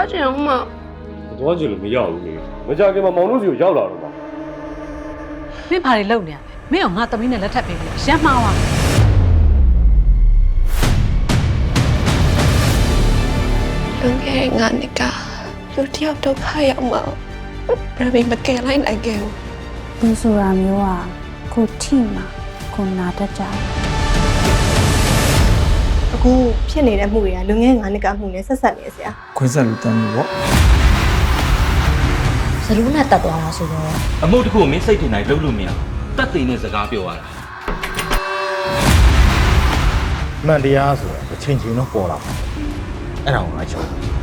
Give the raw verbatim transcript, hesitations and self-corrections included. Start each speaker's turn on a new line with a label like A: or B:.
A: သွားချင်အောင်မ
B: သွားချင်လို့မရဘူးလေမကြခင်မှာမောင်တို့စီကိုရောက်လာတော့ပါ
C: မင်းဘာတွေလုပ်နေရလဲမင်းကငါသမီးနဲ့လက်ထပ်ပေးပြီးရမ်းမှားသွား
A: လွန်ခဲ့ငါနှစ်ကလူတယောက်ဒုက္ခရောက်မှာဘယ်မကယ်လိုက်နိုင်ခဲ့ဘူး
D: လူဆိုတာမျိုးကကိုထိမှာကိုနာတတ်ကြတယ်
E: အခုဖြစ်နေတဲ့မှုတွေကလူငယ်ငါးနှစ်ကမှုနဲ့ဆက်ဆက်နေဆရာ
F: ခွင့်ဆက်လူတန်းလို့ပေါ့
G: စလူးနဲ့တက်သွားတာဆိုတော့
H: အမှုတစ်ခုကိုမင်းစိတ်ထင်တိုင်းလုပ်လို့မရတက်သိနဲ့စကားပြောရတာ
I: မှန်တရားဆိုတာတစ်ချိန်ချိန်တော့ပေါ်လာမှာအဲ့ဒါကိုငါချော